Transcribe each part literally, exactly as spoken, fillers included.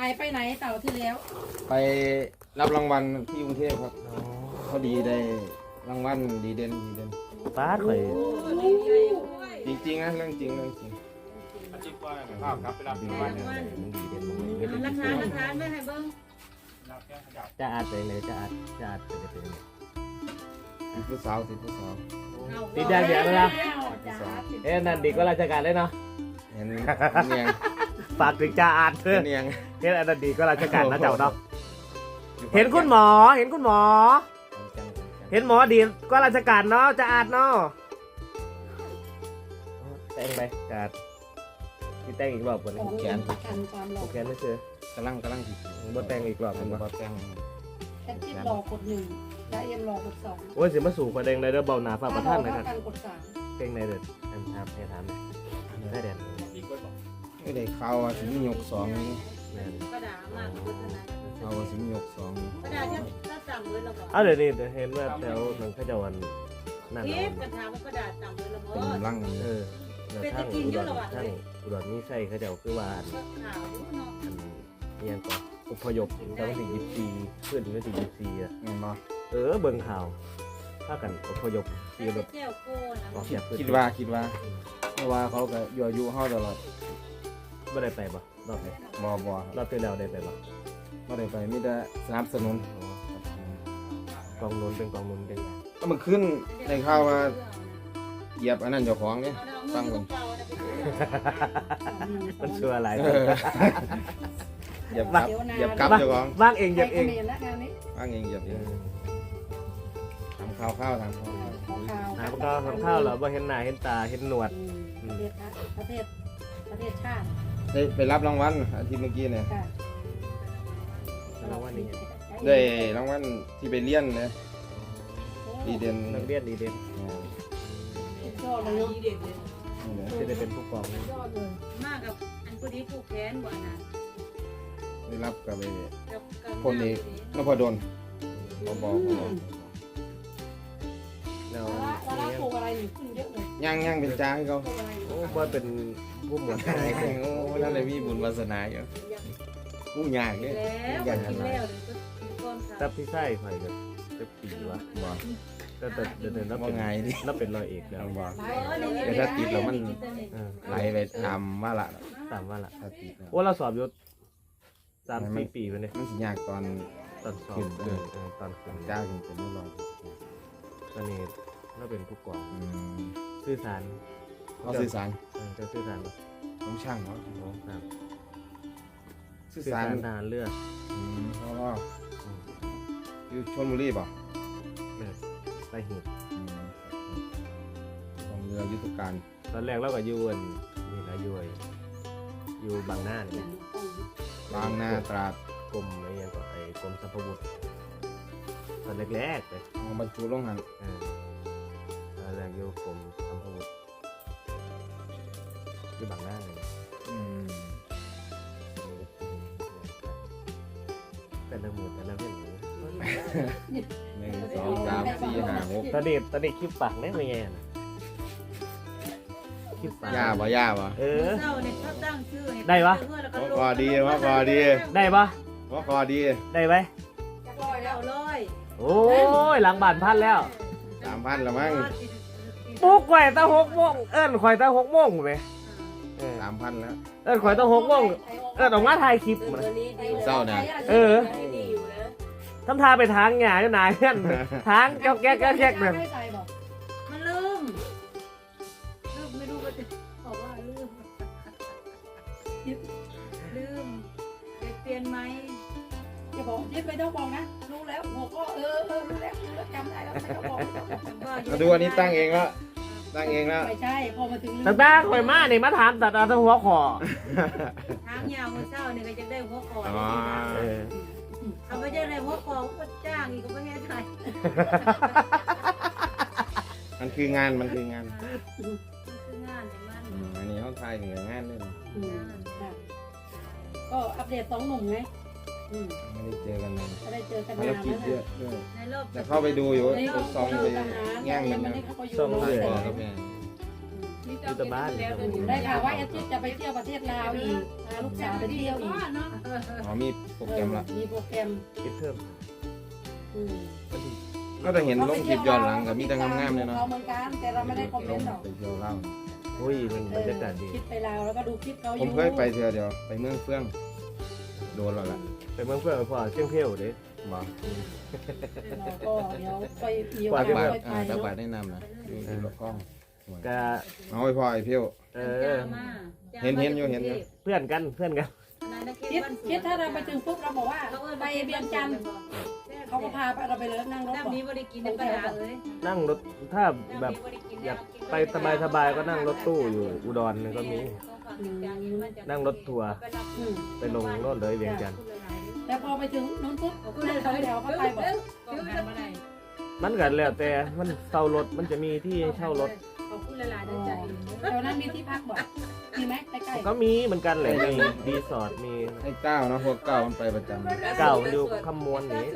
ไปไหนเต่าที่แล้วไปรับรางวัลที่กรุงเทพครับพอดีได้รางวัลดีเด่นดีเด่นป้าข่อยจริงๆนะเรื่องจริงเรื่องจริงอาชีพว่าข้าวครับไปรับรางวัลมึงดีเด่นมึงเฮ็ดราได้คาราคาไม่ให้เบิ้งรับแก้ขยับจะอาดไปเลยจะอาดจะอาดไปเลยเป็นไงติดผู้สาวติดผู้สาวติดยาเสียเลยนะเอ๊ะนั่นดีก็ราชการเลยเนาะเห็นเนียงฝากถึงจ่าอาดเถอะเนียงเห็นอันนั้นดีก็ราชการนะเจ้าเนาะเห็นคุณหมอเห็นคุณหมอ เห็นหมอดีก็ราชการเนาะจะอาดเนาะแต่งไปจะอาดที่แต่งอีกรอบก่อนของแขนกันความหลโออกเคไม่เจอกำลังกำลังติดบ่แต่งอีกรอบมัมัน นบ่บ่แต่งแค่ที่รอกดหนึ่งและเอ็มรอกดสองโอ้ยสิมาสู่ประเด็นเลยเด้อเบาหนาฝากประท่านนะครับกันกดสามเพลงในเด้ออันถามให้ถามได้เด่นดีกว่าบอกไม่ได้ข่าวว่าสิมียกสองนี่แม่นกระดาษมากกว่าขนาดข่าวว่าสิมียกสองกระดาษที่ถ้าต่ำเลยเราบอกเอาเดี๋ยวนี้เห็นว่าแถวหนังขจวันนั่นเก็เนาะบกระถางว่ากระดาษต่ำเลยเราบอเป็นร่างเออแล้วทั้งอุดรทั้งอุดรนี่ใช่เขาเจ้าคือว่าอันก็ขาวอยู่เนาะอันเอียงก่อนอพยพตั้งแต่ยี่สิบสี่เพื่อนถึงถึงยี่สิบสี่อ่ะเงินบ่เออเบิ่งข่าวถ้ากันอพยพแต่ขี่รถแก้วโก้นะออกจากพื้นคิดว่าคิดว่าเพราะว่าเขาก็ยั่วยุเฮาตลอดไม่ได้ไปบ่รอบนี้บ่บ่รอบที่แล้วได้ไปบ่บ่ได้ไปมีแต่สนับสนุนกองนุนเป็นกองนุนเป็นก็มันขึ้นในข่าวว่าเหยียบอันนั้นเจ้าของนี่ตั้งลงมันชัวอะไรเออเหยียบกับเหยียบกับเจ้าของว่างเองเหเก็ยียบบ เอเอง งละงานนี้อ้างเองเหยียบเองทำข้าวข้าวทำข้าวข้าวหาพวกเราทำข้าวเหรอบ่เห็นหน้าเห็นตาเห็นหนวดประเทศประเทศประเทศชาติได้ไปรับรางวัลอาทิตย์เมื่อกี้เนี่ยค่ะแล้ววันนี้ได้รางวัลที่ไปเรียนเลยดีเด่นนักเรียนดีเด่นยอดเลยเนาะนี่แหละจะได้เป็นผู้กองนะยอดเลยมากกับอันพอดีผูกแขนบ่นะได้รับกับไปกับคนเอกนพดลบอบอบอแล้วแล้วแล้วปลูกอะไรนี่ขึ้นเยอะเลยย่างย่างเป็นจ้าให้เขาปลูกอะไรโอ้บ่เป็นผู้หมวดโอ้นั่นเลยมีบุญวาสนาอยู่กู้ยากเนี่ยแล้วกินแล้วเลยก็ก้อนถ้าพี่ไส้ข่อยก็จะปีวะบอกก็แต่เดินๆแล้วว่าเป็นไงดิแล้วเป็นรอยเอกแล้วบอกเอแต่ถ้าติดแล้วมันเออไหลไปทำว่าละตามว่าล่ะถ้าติดแล้วโอ้เราสอบอยู่สามสี่ปีไปเลยมันสิยากตอนตอนสอบขึ้นเออเออตอนขึ้นจ้าขึ้นเป็นไม่รอยตอนนี้เราเป็นผู้กองอืมสื่อสารเขาสื่อสารเออจะสื่อสารปะผมช่างเขาโอ้ครับสื่อสื่อสาสาร รทหารเรืออืมเพราะว่าอยู่ชลบุรีป่ะเออไปเหตุอืมของเรือยุทธการตอนแรกเราก็อยู่อันนี่นะอยู่ไอ้อยู่บางหน้าเนี่ยบางนาตราดกรมอะไรอย่างก็ไอ้กรมสัมภวุฒิตอนแรกๆเลยของบรรจุลงหันเออตอนแรกอยู่กรมสัมภวุฒิอยู่บางหน้าเลยอืมแต่ละหมือแต่ละเรื่องนี้หนึ่งสองสามสี่ห้าหกตอนนี้ตอนนี้คลิปปากได้ไหมไงน่ะคลิปปากย่าบ่ย่าบ่เออเศร้าเนี่ยเขาตั้งชื่อได้ปะว่าพอดีว่าพอดีได้ปะว่าพอดีได้ไหมร้อยแล้วร้อยโอ้ยหลังบ้านพันแล้วสามพันละมั้งปลุกข่อยตาหกโมงเอิ้นข่อยตาหกโมงเลยเออสามพันแล้วเอิ้นข่อยตาหกโมงเอิ้นออกมาถ่ายคลิปมาเศร้าเนี่ยเออทำทาไปทางหงายหนาเพื่อนทางแก๊กแก๊กแก๊กแก๊กเนี่ยมันลืมลืมไม่รู้ว่าจะบอกว่าลืมลืมเปลี่ยนไหมจะบอกยึดไปต้องบอกนะรู้แล้วหัวก็เออเออรู้แล้วรู้แล้วจำได้แล้วไม่ต้องบอกมาดูอันนี้ตั้งเองแล้วตั้งเองแล้วไม่ใช่พอมาถึงตาตาข่อยมาเนี่ยมาถามตัดเอาแตหัวคอทางยาวมือเศร้าเนี่ยก็จะได้หัวคออ๋อเออเอาไปได้เลยหัวคอก็จ้างอีกก็ไม่ให้ใครมันคืองานมันคืองานคืองานเนี่ยมันอืมอันนี้เขาทายเหนืองานด้วยนะก็อัปเดตสองหนุ่มไงไม่ได้เจอกันนานจะได้เจอกันภารนานกิจแล้วเยอะด้วยในรอบแต่เข้าไปดูอยู่ในรอบซองไปทหารแง่งมันมันนะนี่เขาก็อยู่ส่งโรงเลยแรพอมครับแม่อยู่แต่บ้านได้ข่าวว่าเอทิจะไปเที่ยวประเทศลาวอีกพาลูกสาวไปเที่ยวอีกอ๋อมีโปรแกรมละมีโปรแกรมคิดเพิ่มอืมก็จะเห็นลงคลิปย้อนหลังกับมีแต่งามๆเลยเนาะเราเหมือนกันแต่เราไม่ได้คอมเมลนงต์หรอกไปเที่ยวเล่าวอุ้ยมันบรรยากาศดีคิดไปลาวแล้วก็ดูคลิปเขาอผมยู่เคยไปเที่ยวเดียวไปเมืองเฟื่องโดนแล้วล่ะไปเมืองเพื่อนพอเที่ยงเที่ยวเด้บอกเราก็เดี๋ยวไปมีโอตักากบาสทไปอ่าไปตักเนาะบาทแนะนำนะอยู่ที่รถกล้องก็เอาไปพอไอ้เพี้ยวเออเห็นเห็นอยู่เห็นอยู่เพื่อนกันเพื่อนกันคิดคิดถ้าเราไปถึงปุ๊บเราบอกว่าไปเบียงจันทร์เขาก็พาไปเราไปเลยนั่งรถน้ำก่อนนี้บริกินในปัญหาเอ้ยนั่งรถถ้าแบบอยากไปสบายๆก็นั่งรถตู้อยู่อุดรเนี่ยก็มีนั่งรถทัวร์อืมไปลงโน่นเลยเวียงจันทร์แต่พอไปถึงนู้นปุ๊บนั่งเขาเดี๋ยวเขาไปบอกต้องการมาได้มันกันแล้วแต่มันเช่ารถมันจะมีที่เช่ารถขอบคุณหลายๆใจแถวนั้นมีที่พักบอกมีไหมใกล้ก็มีเหมือนกันเลยมีรีสอร์ทมีไอ้เก้าเนาะพวกเก้ามันไปประจำเก่าอยู่คำมวลนี้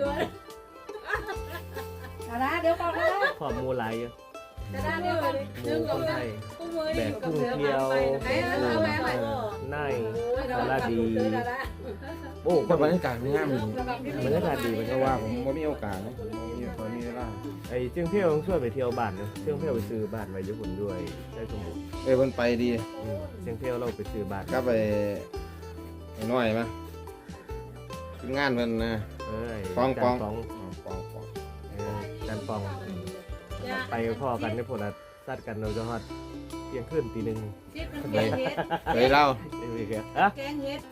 ๆเอาละเดี๋ยวก่อนนะขอบมูหลายเยอะแต่ด้านนี้เลยหมูคนไทยกุ้งมือแบนี่กอยู่กับกุ้งเสือเกลียวไปไหนเอาแม่ไปนายสารดีโอ้โอ้ก็ก็บรรยากาศงามดีบรรยากาศดีมันเพก็ราะว่าว่าผมไม่มีโอกาสนะผมบ่มีคนมีเวลาไอ้เชียงเที่ยวต้องช่วยไปเที่ยวบ้านเนอะเชียงเที่ยวไปซื้อบ้านไว้ญี่ปุ่นด้วยได้สมบูรณ์เอ้ยเพิ่นไปดีอืมเชียงเที่ยวเราไปซื้อบ้านก็ไปไอ้น้อยมั้ยทีมงานเพิ่นนะเอ้ยปองปองจานปองอ๋อปองปองเออจานปอง ไปพ่อกันในพวกนั้นซัดกันเราจะฮอดเที่ยงคืนตีหนึ่งชิดมันแกงเฮ็ดเคยเล่าไม่มีแกอ่ะแกงเฮ็ด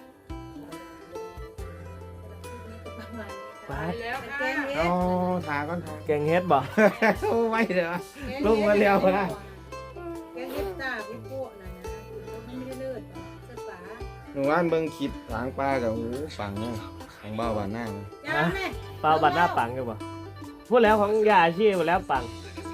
ปาดแล้วแกงเฮ็อ๋ดอทาก่อนทาแกงเฮ็ดบ่โอ้ไว้เด้อ ลงมาแล้วนะแกงเฮ็ดตาเฮ็ดพวกนั่นนะมันไม่ได้เลิศเสื้อฝาหนูว่านเบิ่งคลิปทางปลากับหูฟังนะของบ้าวบ้านหน้านะจ้าแม่เปล่าบัตรหน้าปังกันบ่พูดแล้วของยาอาชีพพูดแล้วปัง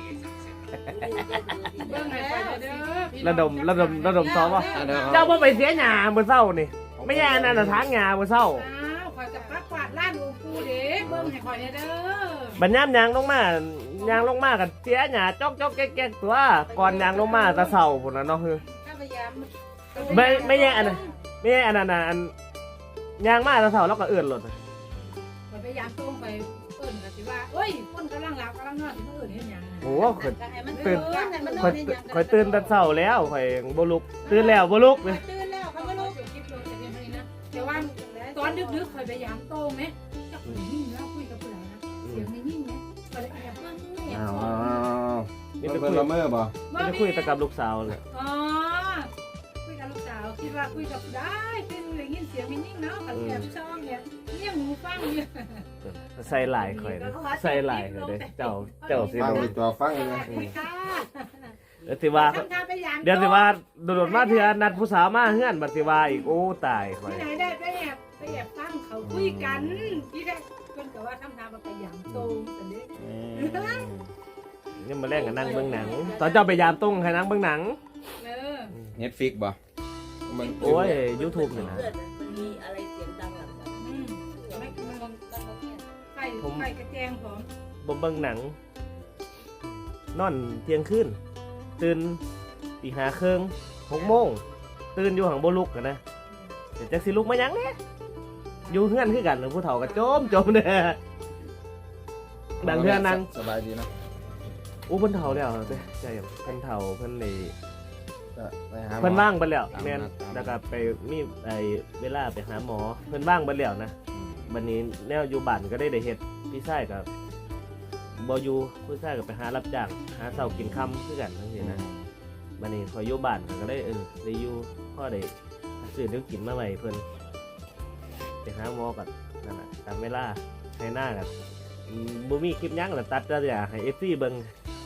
เบิ่งให้ไปเด้อระดมระดมระดมซ้อมวะอ่ะเดี๋ยวเจ้าบ่ไปเสียหญ้ามื้อเช้านี่ไม่ใช่อันนั้นน่ะทางหญ้ามื้อเช้าอ้าวข่อยกับปักกวาดร้านอูปูเด้เบิ่งให้ข่อยเด้อบัดยามยางลงมายางลงมากันเสียหญ้าจอกจอกแก๊กๆตัวก่อนยางลงมาแตะเช้าพุ่นน่ะเนาะคือถ้าพยายามไม่ไม่ใช่อันนั้นไม่ใช่อันนั้นน่ะอันยางมาแตะเช้าแล้วก็เอื้อนรถข่อยพยายามตรงไปเอิ้นก็สิว่าเอ้ยคนกำลังหลับกำลังนอนสิมาเอิ้นเฮ็ดหยังโอ้โหข่อยตื่นข่อยข่อยตื่นแต่เช้าแล้วข่อยบ่ลุกตื่นแล้วบ่ลุกเลยตื่นแล้วเขาไม่รู้คลิปลงจะเป็นนะแต่ว่าตอนดึกๆคอยพยายามโต้งไหมจะคุยยิ่งแล้วคุยกับผู้ใดนะเสียงไม่ยิ่งไหมก็เลยแอบฟังแอบอ้าวฟัอ้าง วนี่นี่ไปเป็นคุยละเมอบ่นี่ไปคุยแต่กับลูกสาวเลยอ๋อคุยกับลูกสาวคิดว่าคุยกับได้เป็นอย่างนี้เสียงไม่ยิ่งเนาะกับแอบช่องเนี่ยเนี่ยหูฟังเนี่ยใส่หลายข่อยนะใส่หลายข่อยเด้เจ้าเจ้าสิฟังรู้ดีตัวฟังเลยนะคุยค่ะเดี๋ยวสิว่าทำการพยายามเดี๋ยวสิว่าโดดๆมาเถื่อนัดผู้สาวมาเฮือนบัดสิว่าอีกโอ้ตายข่อยที่ไหนได้ไปแอบไปแอบฟังเขาคุยกันที่แรกคนก็ว่าทำทางมาพยายามโต้งแต่เด็กนี่มาแล่นกับนั่งเบิ่งหนัง ตอนเจ้าไปยามตุ้งให้นั่งเบิ่งหนังเออเน็ตฟิกบ่เบิ่งโอ้ย YouTube นี่นะมันมีอะไรเสียงดังหลังจากอืมไม่คือมันไฟไฟกระแจงผมบ่เบิ่งหนัง นอนเที่ยงคืนตื่นตีห้าครึ่งหกโมงตื่นอยู่หังบ่ลุกกันนะเดี๋ยวจักสิลุกมาหยังเนี่ยอยู่เฮือนคือกันผู้เฒ่าก็โจมโจมเด้อบางเทื่อนั่งสบายดีนะอู้เพิ่นเฒ่าแล้วเด้ใจอย่างเพิ่นเฒ่าเพิ่นเลยก็ไปหาหมอเพิ่นว่างเบิดแล้วตามนัดแม่นตามนัดแล้วก็ไปมีไอ้เวลาไปหาหมอเพิ่นว่างเบิดแล้วนะบัดนี้แนวอยู่บ้านก็ได้ได้เฮ็ดพี่ชายก็บ่อยู่พี่ชายก็ไปหารับจ้างหาเช้ากินค่ำคือกันจังซี่นะบัดนี้พออยู่บ้านก็ได้เออได้อยู่พอได้ซื้อเดี๋ยวกินมาไว้เพิ่นไปหาหมอก็นั่นน่ะตามเวลาให้หน้าก็อืมบ่มีคลิปหยังแล้วตัดแต่อย่าให้ เอฟ ซี เบิ่ง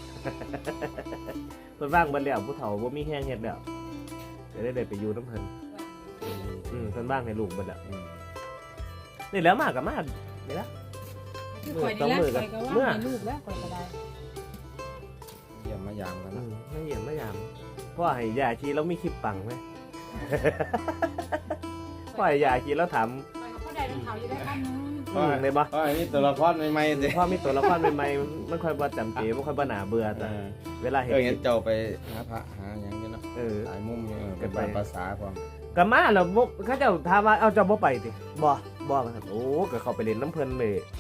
เพิ่นว่างเบิดแล้วผู้เฒ่าบ่มีแฮงเฮ็ดแล้วจะได้ได้ไปอยู่น้ำเพิ่นอืมอืมเพิ่นว่างให้ลูกเบิดแล้วอืมนี่แล้วมาก็มานี่ละข่อยนี่แหละข่อยก็ว่ามีลูกแล้วข่อยก็ได้เยี่ยมมายามกันอืนะมไม่เยี่ยมไม่ยามพ่อให้ยาชีแล้วมีคลิปปังไหม พ่อให้ยาชีแล้วถามข่อยก็บ่ได้เป็นเขาอยู่ได้บ้านนึงอืมเลยบ่อ๋ออันนี้ตัวละครใหม่ๆสิพ่อมีตัวละครใหม่ๆมันค่อยบ่จำเจบ่ค่อยบ่หนาเบื่อเอแต่อเวลาเห็นเออคเห็ลินปเจ้าไปหาพระหาหยังอยู่เนาะเออหลายมุมอยู่เออเป็นไปภาษาความก็มาแล้วบ่เขาเจ้าถามว่าเอาเจ้าบ่ไปติบ่บบอกครับโอ้ก็เข้าไปเล่นน้ำเพิ่นเลย